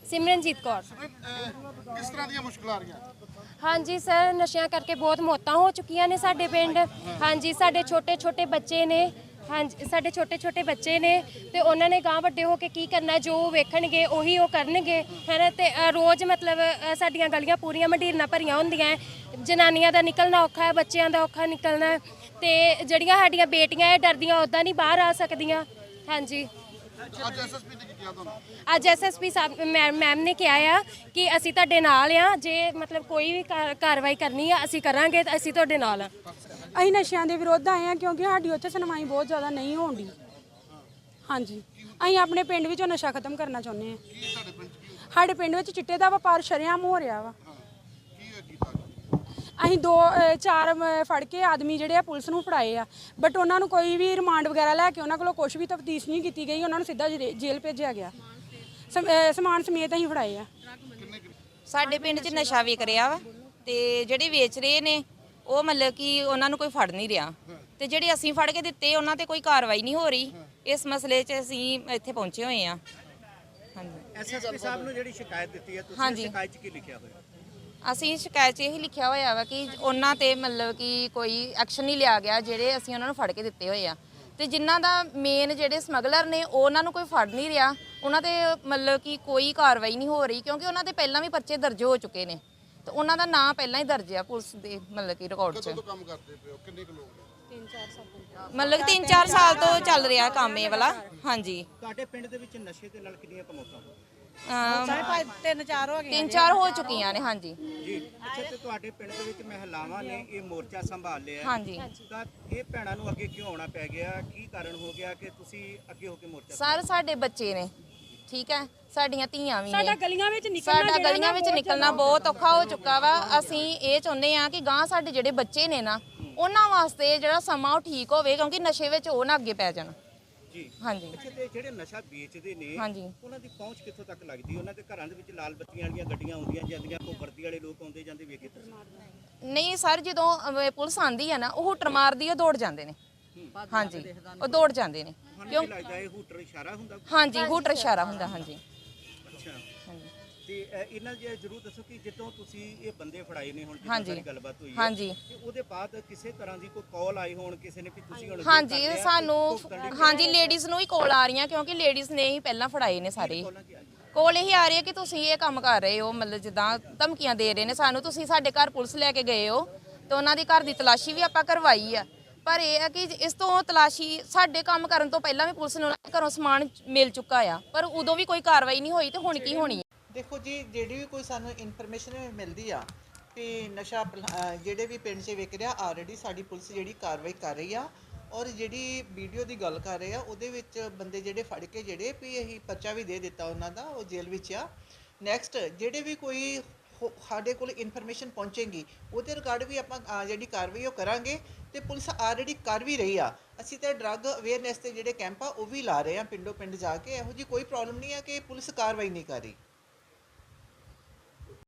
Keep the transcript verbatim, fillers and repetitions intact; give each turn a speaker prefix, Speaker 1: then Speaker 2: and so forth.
Speaker 1: ਸਿਮਰਨਜੀਤ ਕੌਰ।
Speaker 2: ਕਿਸ ਤਰ੍ਹਾਂ ਦੀਆਂ ਮੁਸ਼ਕਲਾਂ ਆ ਰਹੀਆਂ?
Speaker 1: ਹਾਂਜੀ ਸਰ, ਨਸ਼ਿਆਂ ਕਰਕੇ ਬਹੁਤ ਮੌਤਾਂ ਹੋ ਚੁੱਕੀਆਂ ਨੇ ਸਾਡੇ ਪਿੰਡ। ਹਾਂਜੀ, ਸਾਡੇ ਛੋਟੇ ਛੋਟੇ ਬੱਚੇ ਨੇ। ਹਾਂਜੀ, ਸਾਡੇ ਛੋਟੇ ਛੋਟੇ ਬੱਚੇ ਨੇ ਤੇ ਉਹਨਾਂ ਨੇ ਗਾਂ ਵੱਡੇ ਹੋ ਕੇ ਕੀ ਕਰਨਾ, ਜੋ ਵੇਖਣਗੇ ਉਹੀ ਉਹ ਕਰਨਗੇ, ਹੈ ਨਾ। ਤੇ ਰੋਜ਼ ਮਤਲਬ ਸਾਡੀਆਂ ਗਲੀਆਂ ਪੂਰੀਆਂ ਮੰਡੀਰਾਂ ਭਰੀਆਂ ਹੁੰਦੀਆਂ, ਜਨਾਨੀਆਂ ਦਾ ਨਿਕਲਣਾ ਔਖਾ ਹੈ, ਬੱਚਿਆਂ ਦਾ ਔਖਾ ਨਿਕਲਣਾ। ਤੇ ਜਿਹੜੀਆਂ ਸਾਡੀਆਂ ਬੇਟੀਆਂ ਇਹ ਡਰਦੀਆਂ ਉੱਦਾਂ ਨਹੀਂ ਬਾਹਰ ਆ ਸਕਦੀਆਂ। ਹਾਂਜੀ,
Speaker 2: ਅੱਜ ਐਸਐਸਪੀ ਨੇ ਕੀ ਕਿਹਾ ਤੁਹਾਨੂੰ?
Speaker 1: ਅੱਜ ਐਸਐਸਪੀ ਸਾਹਿਬ ਮੈਮ ਨੇ ਕਿਹਾ ਆ ਕਿ ਅਸੀਂ ਤੁਹਾਡੇ ਨਾਲ ਆ, ਜੇ ਮਤਲਬ ਕੋਈ ਵੀ ਕਾਰਵਾਈ ਕਰਨੀ ਆ ਅਸੀਂ ਕਰਾਂਗੇ, ਤਾਂ ਅਸੀਂ ਤੁਹਾਡੇ ਨਾਲ ਆ।
Speaker 3: ਅਸੀਂ ਨਸ਼ਿਆਂ ਦੇ ਵਿਰੁੱਧ ਆਏ ਹਾਂ ਕਿਉਂਕਿ ਸਾਡੀ ਉੱਥੇ ਸੁਣਵਾਈ ਬਹੁਤ ਜ਼ਿਆਦਾ ਨਹੀਂ ਹੋਣ ਦੀ। ਹਾਂਜੀ, ਅਸੀਂ ਆਪਣੇ ਪਿੰਡ ਵਿੱਚੋਂ ਨਸ਼ਾ ਖਤਮ ਕਰਨਾ ਚਾਹੁੰਦੇ ਹਾਂ। ਸਾਡੇ ਪਿੰਡ ਵਿੱਚ ਚਿੱਟੇ ਦਾ ਵਪਾਰ ਸ਼ਰੇਆਮ ਹੋ ਰਿਹਾ ਵਾ। ਅਸੀਂ ਦੋ ਚਾਰ ਫੜ ਕੇ ਆਦਮੀ ਜਿਹੜੇ ਆ ਪੁਲਿਸ ਨੂੰ ਫੜਾਏ ਆ, ਬਟ ਉਹਨਾਂ ਨੂੰ ਕੋਈ ਵੀ ਰਿਮਾਂਡ ਵਗੈਰਾ ਲੈ ਕੇ ਉਹਨਾਂ ਕੋਲੋਂ ਕੁਝ ਵੀ ਤਫਤੀਸ਼ ਨਹੀਂ ਕੀਤੀ ਗਈ। ਉਹਨਾਂ ਨੂੰ ਸਿੱਧਾ ਜੇਲ੍ਹ ਭੇਜਿਆ ਗਿਆ। ਸਮਾਨ ਸਮੇਤ ਅਸੀਂ ਫੜਾਏ ਆ।
Speaker 4: ਸਾਡੇ ਪਿੰਡ 'ਚ ਨਸ਼ਾ ਵਿਕ ਰਿਹਾ ਵਾ ਤੇ ਜਿਹੜੇ ਵੇਚ ਰਹੇ ਨੇ ਉਹ ਮਤਲਬ ਕਿ ਉਹਨਾਂ ਨੂੰ ਕੋਈ ਫੜ ਨਹੀਂ ਰਿਹਾ, ਤੇ ਜਿਹੜੇ ਅਸੀਂ ਫੜ ਕੇ ਦਿੱਤੇ ਉਹਨਾਂ ਤੇ ਕੋਈ ਕਾਰਵਾਈ ਨਹੀਂ ਹੋ ਰਹੀ। ਇਸ ਮਸਲੇ 'ਚ ਅਸੀਂ ਇੱਥੇ ਪਹੁੰਚੇ ਹੋਏ ਆ। ਹਾਂਜੀ,
Speaker 5: ਐਸਐਸਪੀ ਸਾਹਿਬ ਨੂੰ ਜਿਹੜੀ ਸ਼ਿਕਾਇਤ ਦਿੱਤੀ ਹੈ, ਤੁਸੀਂ ਸ਼ਿਕਾਇਤ 'ਚ ਕੀ ਲਿਖਿਆ ਹੋਇਆ?
Speaker 4: ਅਸੀਂ ਸ਼ਿਕਾਇਤ 'ਚ ਇਹੀ ਲਿਖਿਆ ਹੋਇਆ ਵਾ ਕਿ ਉਹਨਾਂ ਤੇ ਮਤਲਬ ਕਿ ਕੋਈ ਐਕਸ਼ਨ ਨਹੀਂ ਲਿਆ ਗਿਆ, ਜਿਹੜੇ ਅਸੀਂ ਉਹਨਾਂ ਨੂੰ ਫੜ ਕੇ ਦਿੱਤੇ ਹੋਏ ਆ। ਤੇ ਜਿਨ੍ਹਾਂ ਦਾ ਮੇਨ ਜਿਹੜੇ ਸਮਗਲਰ ਨੇ ਉਹਨਾਂ ਨੂੰ ਕੋਈ ਫੜ ਨਹੀਂ ਰਿਹਾ, ਉਹਨਾਂ ਤੇ ਮਤਲਬ ਕਿ ਕੋਈ ਕਾਰਵਾਈ ਨਹੀਂ ਹੋ ਰਹੀ, ਕਿਉਂਕਿ ਉਹਨਾਂ ਦੇ ਪਹਿਲਾਂ ਵੀ ਪਰਚੇ ਦਰਜ ਹੋ ਚੁੱਕੇ ਨੇ ਤੇ ਉਹਨਾਂ ਦਾ ਨਾਂ ਪਹਿਲਾਂ ਹੀ ਦਰਜ ਆ ਪੁਲਿਸ ਦੇ ਮਤਲਬ ਕਿ ਰਿਕਾਰਡ 'ਚ।
Speaker 2: ਕਦੋਂ ਤੋਂ ਕੰਮ ਕਰਦੇ ਪਏ ਹੋ? ਕਿੰਨੇ ਕੁ ਲੋਕ ਨੇ?
Speaker 4: ਮਤਲਬ ਤਿੰਨ ਚਾਰ ਸਾਲ ਤੋਂ ਚੱਲ ਰਿਹਾ ਕੰਮ ਇਹ ਵਾਲਾ। ਹਾਂਜੀ,
Speaker 5: ਤੁਹਾਡੇ ਪਿੰਡ ਦੇ ਵਿੱਚ ਨਸ਼ੇ ਦੇ ਨਾਲ ਕਿੰਨੀਆਂ ਕਮੌਤਾਂ ਹੋਈਆਂ?
Speaker 4: ਤਿੰਨ ਚਾਰ ਹੋ ਗਈਆਂ, ਤਿੰਨ ਚਾਰ ਹੋ ਚੁੱਕੀਆਂ ਨੇ। ਹਾਂਜੀ
Speaker 5: ਜੀ, ਅੱਛਾ, ਤੇ ਤੁਹਾਡੇ ਪਿੰਡ ਦੇ ਵਿੱਚ ਮਹਿਲਾਵਾਂ ਨੇ ਇਹ ਮੋਰਚਾ ਸੰਭਾਲ ਲਿਆ।
Speaker 4: ਹਾਂਜੀ,
Speaker 5: ਤਾਂ ਇਹ ਭੈਣਾਂ ਨੂੰ ਅੱਗੇ ਕਿਉਂ ਆਉਣਾ ਪੈ ਗਿਆ? ਕੀ ਕਾਰਨ ਹੋ ਗਿਆ ਕਿ ਤੁਸੀਂ ਅੱਗੇ ਹੋ ਕੇ ਮੋਰਚਾ?
Speaker 4: ਸਰ ਸਾਡੇ ਬੱਚੇ ਨੇ, ਠੀਕ ਹੈ, ਸਾਡੀਆਂ ਧੀਆਂ ਵੀ ਨੇ।
Speaker 3: ਸਾਡਾ ਗਲੀਆਂ ਵਿੱਚ ਨਿਕਲਣਾ
Speaker 4: ਸਾਡਾ ਗਲੀਆਂ ਵਿੱਚ ਨਿਕਲਣਾ ਬਹੁਤ ਔਖਾ ਹੋ ਚੁੱਕਾ ਵਾ। ਅਸੀਂ ਇਹ ਚਾਹੁੰਦੇ ਆ ਕਿ ਗਾਂ ਸਾਡੇ ਜਿਹੜੇ ਬੱਚੇ ਨੇ ਨਾ ਉਹਨਾਂ ਵਾਸਤੇ ਜਿਹੜਾ ਸਮਾਂ ਉਹ ਠੀਕ ਹੋਵੇ, ਕਿਉਂਕਿ ਨਸ਼ੇ ਵਿੱਚ ਉਹ ਨਾ ਅੱਗੇ ਪੈ ਜਾਣ।
Speaker 5: ਜੀ,
Speaker 4: ਹਾਂਜੀ।
Speaker 5: ਅੱਛਾ, ਤੇ ਜਿਹੜੇ ਨਸ਼ਾ ਵੇਚਦੇ ਨੇ
Speaker 4: ਹਾਂਜੀ,
Speaker 5: ਉਹਨਾਂ ਦੀ ਪਹੁੰਚ ਕਿੱਥੋਂ ਤੱਕ ਲੱਗਦੀ? ਉਹਨਾਂ ਦੇ ਘਰਾਂ ਦੇ ਵਿੱਚ ਲਾਲ ਬੱਤੀਆਂ ਵਾਲੀਆਂ ਗੱਡੀਆਂ ਆਉਂਦੀਆਂ ਜਾਂਦੀਆਂ, ਕੋਈ ਵਰਦੀ ਵਾਲੇ ਲੋਕ ਆਉਂਦੇ ਜਾਂਦੇ ਵੇਖੇ ਤੁਸੀਂ?
Speaker 4: ਨਹੀਂ ਸਰ, ਜਦੋਂ ਅਹ, ਪੁਲਿਸ ਆਂਦੀ ਹੈ ਨਾ ਉਹ ਹੂਟਰ ਮਾਰਦੀ, ਉਹ ਦੌੜ ਜਾਂਦੇ ਨੇ। ਹਾਂਜੀ, ਉਹ ਦੌੜ ਜਾਂਦੇ ਨੇ।
Speaker 5: ਕਿਉਂ ਲੱਗਦਾ ਇਹ ਹੂਟਰ ਇਸ਼ਾਰਾ ਹੁੰਦਾ?
Speaker 4: ਹਾਂਜੀ, ਹੂਟਰ ਇਸ਼ਾਰਾ ਹੁੰਦਾ। ਹਾਂਜੀ,
Speaker 5: ਅੱਛਾ,
Speaker 4: ਹਾਂਜੀ,
Speaker 5: ਤੇ ਇਹਨਾਂ ਜੇ ਜਰੂਰ ਦੱਸੋ ਕਿ ਜਦੋਂ ਤੁਸੀਂ ਇਹ ਬੰਦੇ ਫੜਾਏ ਨੇ, ਹੁਣ
Speaker 4: ਹਾਂਜੀ,
Speaker 5: ਜਿੱਦਾਂ ਗੱਲਬਾਤ ਹੋਈ ਹੈ,
Speaker 4: ਹਾਂਜੀ,
Speaker 5: ਤੇ ਉਹਦੇ ਬਾਅਦ ਕਿਸੇ ਤਰ੍ਹਾਂ ਦੀ ਕੋਈ ਕਾਲ ਆਈ ਹੋਣ ਕਿਸੇ ਨੇ ਕਿ ਤੁਸੀਂ ਹੁਣ?
Speaker 4: ਹਾਂਜੀ, ਸਾਨੂੰ ਹਾਂਜੀ ਲੇਡੀਜ਼ ਨੂੰ ਹੀ ਕਾਲ ਆ ਰਹੀਆਂ, ਕਿਉਂਕਿ ਲੇਡੀਜ਼ ਨੇ ਹੀ ਪਹਿਲਾਂ ਫੜਾਏ ਨੇ ਸਾਰੇ। ਕੋਲ ਇਹੀ ਆ ਰਹੀ ਹੈ ਕਿ ਤੁਸੀਂ ਇਹ ਕੰਮ ਕਰ ਰਹੇ ਹੋ, ਮਤਲਬ ਜਿੱਦਾਂ ਧਮਕੀਆਂ ਦੇ ਰਹੇ ਨੇ ਸਾਨੂੰ, ਤੁਸੀਂ ਸਾਡੇ ਘਰ ਪੁਲਿਸ ਲੈ ਕੇ ਗਏ ਹੋ। ਤੇ ਉਹਨਾਂ ਦੀ ਘਰ ਦੀ ਤਲਾਸ਼ੀ ਵੀ ਆਪਾਂ ਕਰਵਾਈ ਆ, ਪਰ ਇਹ ਹੈ ਕਿ ਇਸ ਤੋਂ ਤਲਾਸ਼ੀ ਸਾਡੇ ਕੰਮ ਕਰਨ ਤੋਂ ਪਹਿਲਾਂ ਵੀ ਪੁਲਿਸ ਨੂੰ ਘਰੋਂ ਸਮਾਨ ਮਿਲ ਚੁੱਕਾ ਆ, ਪਰ ਉਦੋਂ ਵੀ ਕੋਈ ਕਾਰਵਾਈ ਨਹੀਂ ਹੋਈ। ਤੇ ਹੁਣ ਕੀ ਹੋਣੀ?
Speaker 6: ਦੇਖੋ ਜੀ, ਜਿਹੜੀ ਵੀ ਕੋਈ ਸਾਨੂੰ ਇਨਫੋਰਮੇਸ਼ਨ ਮਿਲਦੀ ਆ ਕਿ ਨਸ਼ਾ ਜਿਹੜੇ ਵੀ ਪਿੰਡ 'ਚ ਵਿਕ ਰਿਹਾ, ਆਲਰੇਡੀ ਸਾਡੀ ਪੁਲਿਸ ਜਿਹੜੀ ਕਾਰਵਾਈ ਕਰ ਰਹੀ ਆ। ਔਰ ਜਿਹੜੀ ਵੀਡੀਓ ਦੀ ਗੱਲ ਕਰ ਰਹੇ ਆ ਉਹਦੇ ਵਿੱਚ ਬੰਦੇ ਜਿਹੜੇ ਫੜ ਕੇ ਜਿਹੜੇ ਵੀ ਅਸੀਂ ਪਰਚਾ ਵੀ ਦੇ ਦਿੱਤਾ ਉਹਨਾਂ ਦਾ, ਉਹ ਜੇਲ੍ਹ ਵਿੱਚ ਆ। ਨੈਕਸਟ ਜਿਹੜੇ ਵੀ ਕੋਈ ਸਾਡੇ ਕੋਲ ਇਨਫੋਰਮੇਸ਼ਨ ਪਹੁੰਚੇਗੀ ਉਹਦੇ ਰਿਗਾਰਡ ਵੀ ਆਪਾਂ ਜਿਹੜੀ ਕਾਰਵਾਈ ਉਹ ਕਰਾਂਗੇ। ਤੇ ਪੁਲਿਸ ਆਲਰੇਡੀ ਕਰ ਵੀ ਰਹੀ ਆ। ਅਸੀਂ ਤਾਂ ਡਰੱਗ ਅਵੇਅਰਨੈਸ ਤੇ ਜਿਹੜੇ ਕੈਂਪ ਆ ਉਹ ਵੀ ਲਾ ਰਹੇ ਆ ਪਿੰਡੋਂ ਪਿੰਡ ਜਾ ਕੇ। ਇਹੋ ਜਿਹੀ ਕੋਈ ਪ੍ਰੋਬਲਮ ਨਹੀਂ ਆ ਕਿ ਪੁਲਿਸ ਕਾਰਵਾਈ ਨਹੀਂ ਕਰ ਰਹੀ।